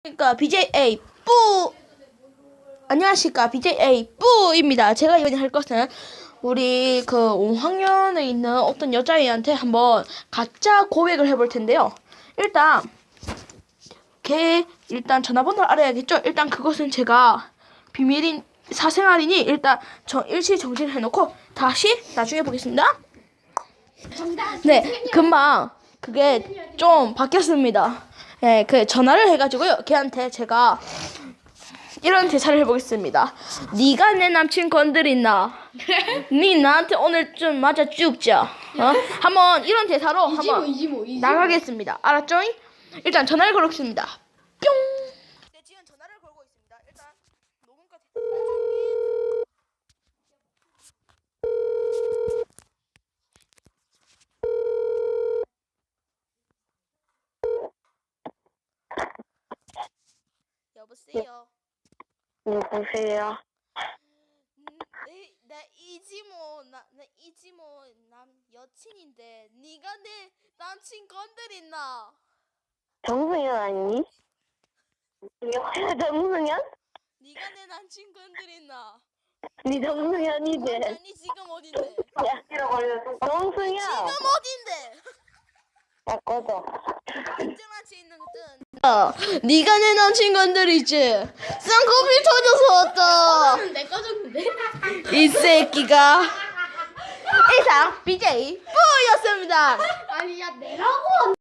그러니까 BJ 뿌 안녕하십니까 BJ 뿌입니다. 제가 이번에 할 것은 우리 그 5학년에 있는 어떤 여자애한테 한번 가짜 고백을 해볼 텐데요. 일단 걔 전화번호를 알아야겠죠. 일단 그것은 제가 비밀인 사생활이니 일단 일시 정지를 해놓고 다시 나중에 보겠습니다. 네, 금방 그게 좀 바뀌었습니다. 네, 그 전화를 해가지고요. 걔한테 제가 이런 대사를 해보겠습니다. 네가 내 남친 건드린나? 네 나한테 오늘 좀 맞아 죽자. 한번 이런 대사로 한번 나가겠습니다. 알았죠? 일단 전화를 걸겠습니다. 뿅. 네, 지금 전화를 걸고 있습니다. 일단 녹음까지. 여보세요. 누구세요? 나 이지모 나 이지모 남 여친인데 네가 내 남친 건드렸나? 정승현 아니니? 정승현? 네가 내 남친 건드렸나? 네 정승현이지? 아니 지금 어딘데? 정승현! 지금 어딘데? 야 꺼져. 인증한치 있는 거든. 네가 내 남친 건드리지? 쌍꺼풀 터져서 왔다. 내 꺼졌는데? 이 새끼가. 이상 BJ 뿌였습니다. 아니 야 내라고